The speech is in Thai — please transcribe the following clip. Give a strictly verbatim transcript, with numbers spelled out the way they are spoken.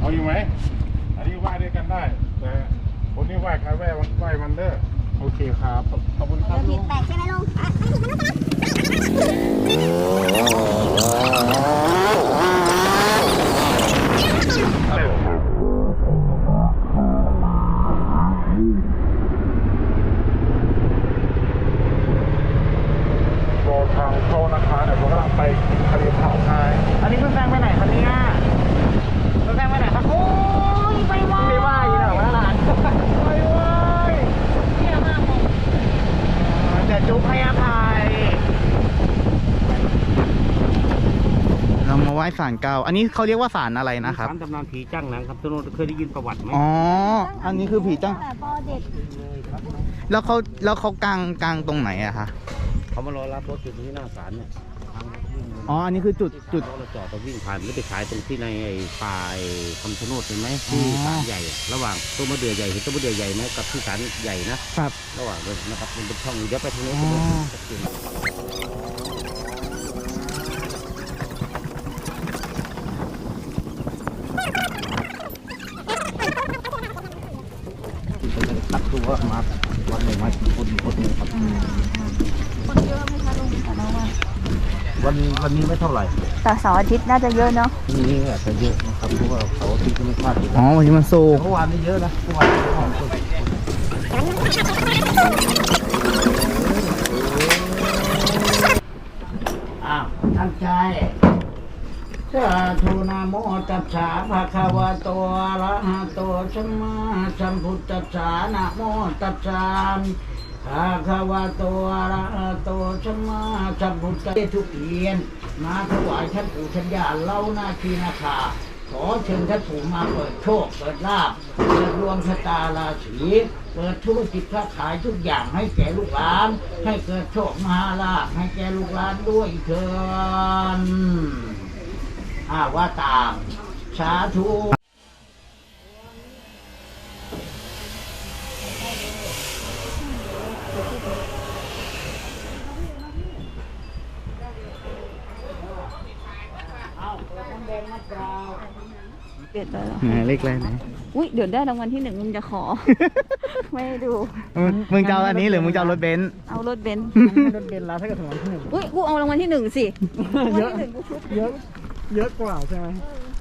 เอาอยู่ไหมอันนี้ไหว้ด้วยกันได้แต่คนนี้ไหว้ใครไหว้มันไหว้มันเด้อโอเคครับขอบคุณครับลุงแปลกใช่ไหมลุงอ่ะไม่ผิดมันรอทางเข้านะคะเดี๋ยวผมกำลังไปทะเลเผาไทยอันนี้เพิ่งแซงไปไหนครับเนี่ยเพิ่งแซงไปไหนครับโอ้ยไปว่าไปว่าอยู่เหรอวะหลานไปว่าเที่ยมากผมเดี๋ยวจุ๊บให้อภัยเรามาไหว้ศาลเก่าอันนี้เขาเรียกว่าศาลอะไรนะครับศาลตำนานผีจ้างหนังครับทุกคนเคยได้ยินประวัติไหมอ๋ออันนี้คือผีจ้างแต่พอเด็กแล้วเขาแล้วเขากางกางตรงไหนอะคะเขามารอรับรถอยู่ที่หน้าศาลเนี่ยทางวิ่งอ๋ออันนี้คือจุดจุดรถเราจอดก็วิ่งผ่านไม่ไปขายตรงที่ในไอ้ป่าไอ้คำชะโนดเห็นไหมที่ศาลใหญ่อะระหว่างต้นมะเดื่อใหญ่เห็นต้นมะเดื่อใหญ่ไหมกับที่ศาลใหญ่นะครับ ระหว่างเลยนะครับมันเป็นช่องอยู่เดี๋ยวไปทางนี้อ๋อตัดตัวมาวันหนึ่งมาคนคนนึงครับคนเยอะไหมคะลุงแต่ละวันวันวันนี้ไม่เท่าไหร่แต่เสาร์อาทิตย์น่าจะเยอะเนาะนี่อาจจะเยอะนะครับเพราะว่าเขาที่ก็ไม่พลาดอยู่อ๋อวันนี้มันโซเมื่อวานนี้เยอะนะเมื่อวานนี้ของคนอ้าวตั้งใจสาธุนะโมตัสสะภะคะวะโตอะระหะโตสัมมาสัมพุทธัสสะนะโมตัสสะภะคะวะโตอะระหะโตสัมมาสัมพุทธัสสะทุกเทียนมาถวายท่านปู่ท่านย่าเล่าหน้าที่นาคาขอเชิญท่านปู่มาเปิดโชคเปิดลาภเปิดดวงชะตาราศีเปิดธุรกิจค้าขายทุกอย่างให้แก่ลูกหลาน ให้เกิดโชคมหาลาภให้แก่ลูกหลานด้วยเถิดอาว่าตามสาธุเด็ดเลยเหรอไหนเลขอะไรไหนอุ้ยเดี๋ยวได้รางวัลที่หนึ่งลุงจะขอ ไม่ให้ดูมึงมึงจะเอาอันนี้หรือมึงจะเอารถเบนซ์เอารถเบนซ์รถเบนซ์แล้วถ้าเกิดถึงวันที่หนึ่งอุ้ยกูเอารางวัลที่หนึ่งสิรางวัลเยอะที่หนึ่งกูชุดเยอะเยอะกว่าใช่ไหมเออ